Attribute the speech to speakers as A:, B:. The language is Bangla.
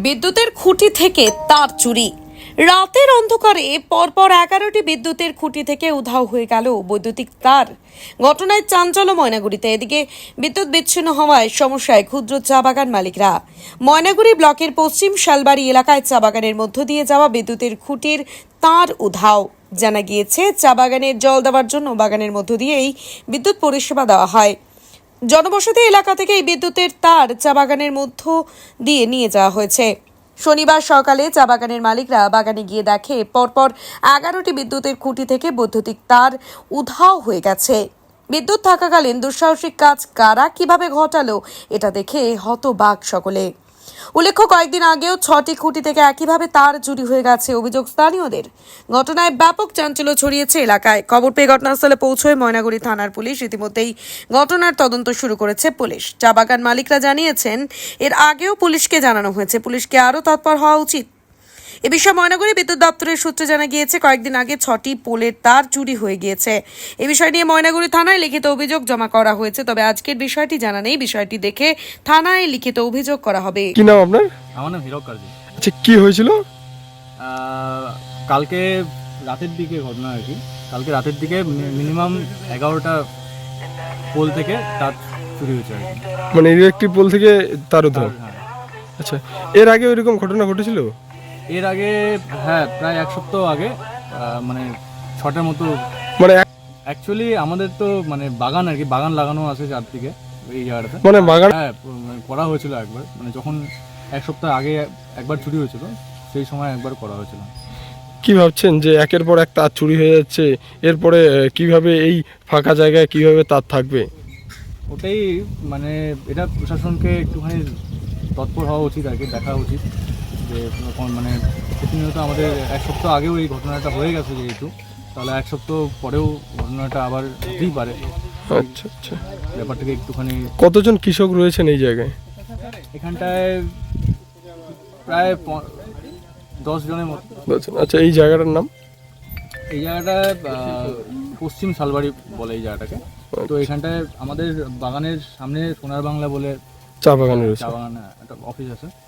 A: বিদ্যুতের খুঁটি থেকে তার চুরি। রাতের অন্ধকারে পরপর 11টি বিদ্যুতের খুঁটি থেকে উধাও হয়ে গেল বৈদ্যুতিক তার। ঘটনায় চাঞ্চল্য ময়নাগুড়িতে। এদিকে বিদ্যুৎ বিচ্ছিন্ন হওয়ায় সমস্যায় ক্ষুদ্র চা বাগান মালিকরা। ময়নাগুড়ি ব্লকের পশ্চিম শালবাড়ি এলাকায় চা বাগানের মধ্য দিয়ে যাওয়া বিদ্যুতের খুঁটির তার উধাও। জানা গিয়েছে, চা বাগানের জল দেওয়ার জন্য বাগানের মধ্য দিয়েই বিদ্যুৎ পরিষেবা দেওয়া হয়। জনবসতি এলাকা থেকে এই বিদ্যুতের তার চা বাগানের মধ্য দিয়ে নিয়ে যাওয়া হয়েছে। শনিবার সকালে চা বাগানের মালিকরা বাগানে গিয়ে দেখে পরপর 11টি বিদ্যুতের খুঁটি থেকে বৈদ্যুতিক তার উধাও হয়ে গেছে। বিদ্যুৎ থাকাকালীন দুঃসাহসিক কাজ কারা কিভাবে ঘটালো, এটা দেখে হতবাক সকলে। উল্লেখ্য, কয়েকদিন আগেও 6টি খুঁটি থেকে একইভাবে তার চুরি হয়ে গেছে অভিযোগ স্থানীয়দের। ঘটনায় ব্যাপক চাঞ্চল্য ছড়িয়েছে এলাকায়। খবর পেয়ে ঘটনাস্থলে পৌঁছয় ময়নাগুড়ি থানার পুলিশ। ইতিমধ্যেই ঘটনার তদন্ত শুরু করেছে পুলিশ। চা বাগান মালিকরা জানিয়েছেন, এর আগেও পুলিশকে জানানো হয়েছে, পুলিশকে আরও তৎপর হওয়া উচিত। এ বিষয়ে ময়নাগুড়ি বিদ্যুৎ দপ্তরের সূত্রে জানা গিয়েছে, কয়েকদিন আগে 6টি পোলের তার চুরি হয়ে গিয়েছে। এ বিষয় নিয়ে ময়নাগুড়ি থানায় লিখিত অভিযোগ জমা করা হয়েছে। তবে আজকের বিষয়টি জানা নেই। বিষয়টি দেখে থানায় লিখিত অভিযোগ করা হবে।
B: কি নাম আপনার?
C: আমার নাম হীরক কার্জি।
B: আচ্ছা, কি হয়েছিল?
C: কালকে রাতের দিকে ঘটনা আর কি। কালকে রাতের দিকে মিনিমাম 11টা পোল থেকে তার চুরি হয়েছে আর কি।
B: মানে ইলেকট্রিক পোল থেকে তার উধাও?
C: হ্যাঁ।
B: আচ্ছা, এর আগে ওইরকম ঘটনা ঘটেছিল?
C: এর আগে হ্যাঁ, প্রায় 1 সপ্তাহ আগে মানে 6টার মতো।
B: মানে
C: অ্যাকচুয়ালি আমাদের তো মানে বাগান আর কি, বাগান লাগানো আছে চারদিকে এই জায়গাটাতে।
B: মানে বাগান
C: হ্যাঁ, করা হয়েছিল একবার, মানে যখন 1 সপ্তাহ আগে একবার চুরি হয়েছিল, সেই সময় একবার করা হয়েছিল।
B: কি ভাবছেন যে একের পর এক তার চুরি হয়ে যাচ্ছে, এরপরে কিভাবে এই ফাঁকা জায়গায় কিভাবে তার থাকবে?
C: ওটাই মানে এটা প্রশাসনকে একটুখানি তৎপর হওয়া উচিত আর কি, দেখা উচিত যে মানে প্রতিনিয়ত আমাদের 1 সপ্তাহ আগেও এই ঘটনাটা হয়ে গেছে, যেহেতু তাহলে 1 সপ্তাহ পরেও ঘটনাটা আবার হতেই পারে।
B: আচ্ছা আচ্ছা,
C: ব্যাপারটাকে একটুখানি।
B: কতজন কৃষক রয়েছেন এই জায়গায়?
C: এখানটায় প্রায় 10 জনের মতো।
B: আচ্ছা, এই জায়গাটার নাম?
C: এই জায়গাটা পশ্চিম শালবাড়ি বলে এই জায়গাটাকে। তো এখানটায় আমাদের বাগানের সামনে সোনার বাংলা বলে
B: চা বাগান রয়েছে।
C: চা বাগান একটা অফিস আছে।